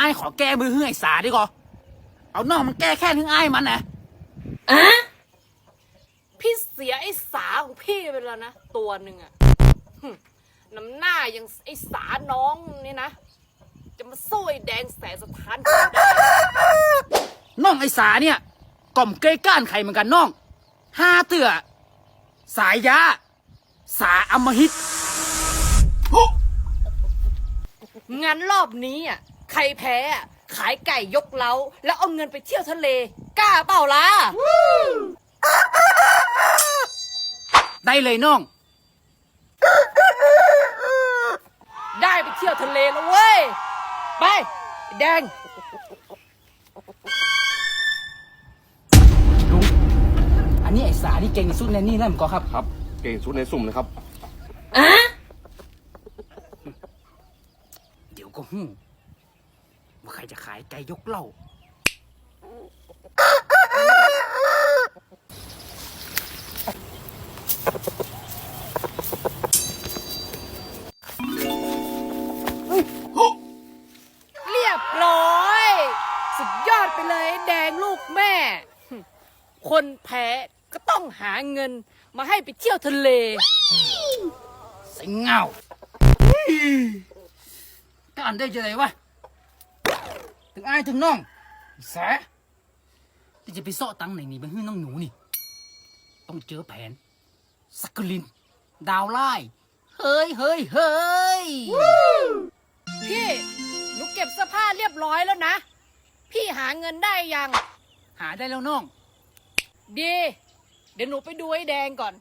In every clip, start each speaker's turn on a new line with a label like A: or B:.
A: อ้ายขอแก้มือให้ไอ้สาดีกว่าเอาน้องมันแก้แค่ถึงอ้ายมันนะ
B: พี่เสียไอ้สาของพี่ไปแล้วนะตัวหนึ่งอะน้ำหน้ายังไอ้สาน้องนี่นะจะมาสู้ไอ้แดงแสนสถานได้
A: น้องไอ้สาเนี่ยก่อมเกยก้านไข่เหมือนกันน้องห้าเตื่อสายยาสาอำมหิต
B: งั้นรอบนี้อ่ะใครแพ้อ่ะขายไก่ยกเล้าแล้วเอาเงินไปเที่ยวทะเลกล้าเปล่าล่ะ
A: ได้เลยน้อง
B: ได้ไปเที่ยวทะเลแล้วเว้ยไปแดง
A: ลุงอันนี้ไอ้สาที่เก่งที่สุดในนี่แล้วมั้งก็ครับ
C: ครับเก่งสุดในสุ่มนะครับ
A: เดี๋ยวก็หู้ว่าใครจะขายไก่ยกเหล้า
B: เรียบร้อยสุดยอดไปเลยแดงลูกแม่คนแพ้ก็ต้องหาเงินมาให้ไปเที่ยวทะเล
A: ใส่เงาก็อันได้จะไหนวะถึงอ้ายถึงน้องแสที่จะไปซ่อตังไหนนี่ไปให้น้องหนูนี่ต้องเจอแผนสักกลินดาวไล่เฮ้ย
B: พี่หนูเก็บเสื้อผ้าเรียบร้อยแล้วนะพี่หาเงินได้ยัง
A: หาได้แล้วน้อง
B: ดีเดี๋ยวหนูไปดูไอ้แดงก่อน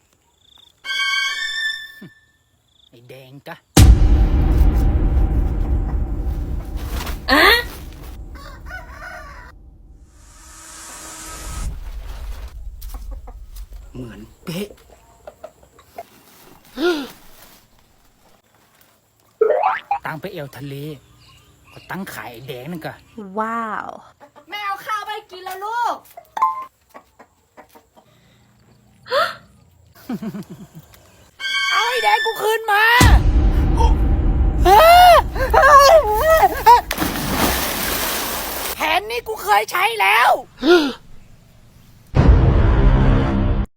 A: ไอ้แดงกะเหมือนเป๊ะตั้งไปเอวทะเลก็ตั้งขายไอ้แดงนั่นกะ
D: ว้าว
B: แม่เอาข้าวไปกินแล้วลูกเอาไอ้แดงกูคืนมาแผนนี้กูเคยใช้แล้ว